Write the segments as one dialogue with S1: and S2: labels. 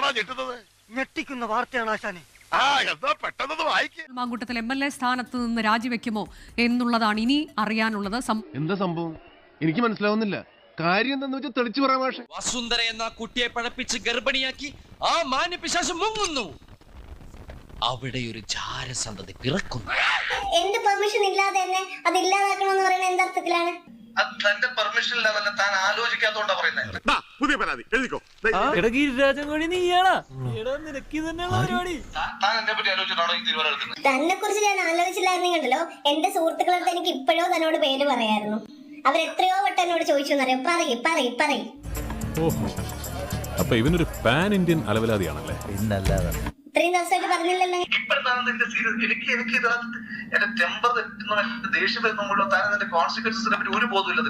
S1: ഞെട്ടിക്കുന്ന വാർത്തയാണ് ആശാനെ.
S2: മാങ്കൂട്ടത്തിൽ MLA സ്ഥാനത്ത് നിന്ന് രാജിവെക്കുമോ എന്നുള്ളതാണ് ഇനി അറിയാനുള്ളത്.
S3: എന്താ സംഭവം എനിക്ക് മനസ്സിലാവുന്നില്ല. കാര്യം എന്താന്ന് വെച്ചാൽ തെളിച്ചു പറയാം. പക്ഷേ
S4: വസുന്ധര എന്ന കുട്ടിയെ പഴപ്പിച്ച് ഗർഭിണിയാക്കി ആ മാന്യപിശാചം മുങ്ങുന്നു. അവിടെ ഒരു ജാരസന്തതി പിറക്കുന്നു.
S5: എന്റെ പെർമിഷൻ ഇല്ലാതെ തന്നെ അത് ഇല്ലാതാക്കണമെന്ന് പറയുന്നത് എന്തർത്ഥത്തിലാണ്?
S6: തന്റെ പെർമിഷൻ ലെവലിൽ താൻ ആലോചിക്കാത്തോണ്ടാ പറയുന്നത്.
S7: പുതിയ പരാതി എഴുതിക്കോ.
S6: താൻ എന്നെ പറ്റി ആലോചിച്ചിട്ടാണോ ഈ തീരുമാനം എടുക്കുന്നത്?
S5: തന്നെ കുറിച്ച് ഞാൻ ആലോചിച്ചില്ലായിരുന്നെങ്കിലോ എന്റെ സുഹൃത്തുക്കളടുത്ത് എനിക്ക് ഇപ്പോഴോ തന്നോട് പേര് പറയായിരുന്നു. അവരെത്രയോ വട്ടം എന്നോട് ചോദിച്ചു എന്നറിയാം. പറയും.
S8: അപ്പൊ ഇവനൊരു പാൻ ഇന്ത്യൻ അലവലാതിയാണല്ലേ?
S5: ഇത്രയും ദിവസമായിട്ട് പറഞ്ഞില്ലല്ലോ.
S6: ഇപ്പോഴത്താണ് എന്റെ സീരിയസ്. എനിക്ക് ഇതിനകത്ത് എന്റെ ടെമ്പർ തെറ്റുന്നു, എന്റെ ദേഷ്യം വരുന്നുള്ളൂ. താൻ എന്റെ കോൺസിക്വൻസിനെ പറ്റി ഒരു ബോധമില്ല.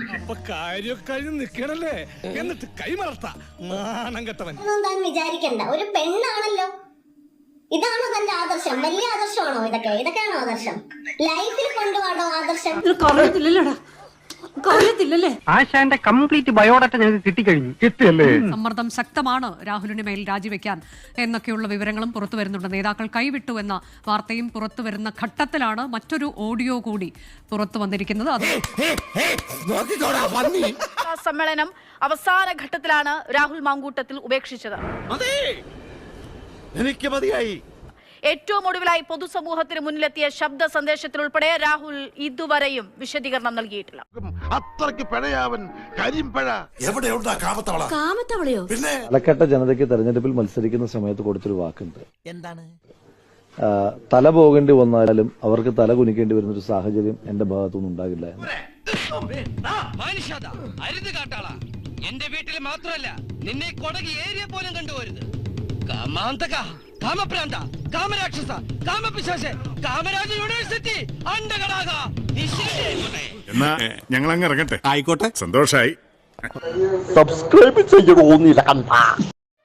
S5: ഒന്നും താൻ വിചാരിക്കണ്ട. ഒരു പെണ്ണാണല്ലോ. ഇതാണോ തന്റെ ആദർശം? വലിയ ആദർശമാണോ ഇതൊക്കെയാണോ ആദർശം? ലൈഫിൽ കൊണ്ടുപോകണോ ആദർശം?
S1: ആശാന്റെ കംപ്ലീറ്റ് ബയോഡാറ്റ ഞങ്ങൾക്ക് കിട്ടിയല്ലേ?
S2: സമ്മർദ്ദം ശക്തമാണ് രാഹുലിന് മേൽ രാജിവെക്കാൻ എന്നൊക്കെയുള്ള വിവരങ്ങളും പുറത്തു വരുന്നുണ്ട്. നേതാക്കൾ കൈവിട്ടു എന്ന വാർത്തയും പുറത്തു വരുന്ന ഘട്ടത്തിലാണ് മറ്റൊരു ഓഡിയോ കൂടി പുറത്തു വന്നിരിക്കുന്നത്.
S9: സമ്മേളനം അവസാന ഘട്ടത്തിലാണ് രാഹുൽ മാങ്കൂട്ടത്തിൽ ഉപേക്ഷിച്ചത്.
S7: എനിക്ക് മതിയായി.
S9: ഏറ്റവും ഒടുവിലായി പൊതുസമൂഹത്തിന് മുന്നിലെത്തിയ ശബ്ദ സന്ദേശത്തിൽ ഉൾപ്പെടെ രാഹുൽ ഇതുവരെയും വിശദീകരണം നൽകിയിട്ടില്ല.
S7: അത്രയ്ക്ക് പിഴയാവൻ കരിമ്പഴ എവിടെയുണ്ടാ കാമത്തവളയോ? പിന്നെ
S10: പാലക്കാട്ടെ ജനതയ്ക്ക് തെരഞ്ഞെടുപ്പിൽ മത്സരിക്കുന്ന സമയത്ത് കൊടുത്തൊരു വാക്കുണ്ട്.
S4: എന്താണ്?
S10: തല പോകേണ്ടി വന്നാലും അവർക്ക് തല കുനിക്കേണ്ടി വരുന്നൊരു സാഹചര്യം എന്റെ ഭാഗത്തുനിന്ന് ഉണ്ടാകില്ല എന്ന്.
S4: എന്റെ വീട്ടിൽ മാത്രമല്ല, നിന്നെ കൊടകി ഏരിയ പോലും കണ്ടുപോരുത്. കാമാന്തക, കാമപ്രാന്ത, കാമരാക്ഷസ, കാമപിശാച, കാമരാജ യൂണിവേഴ്സിറ്റി അണ്ടകടാക.
S7: എന്നാ ഞങ്ങൾ അങ്ങ് ഇറങ്ങട്ടെ.
S8: ആയിക്കോട്ടെ,
S7: സന്തോഷായി.
S10: സബ്സ്ക്രൈബ് ചെയ്യണോന്നില്ല കണ്ട.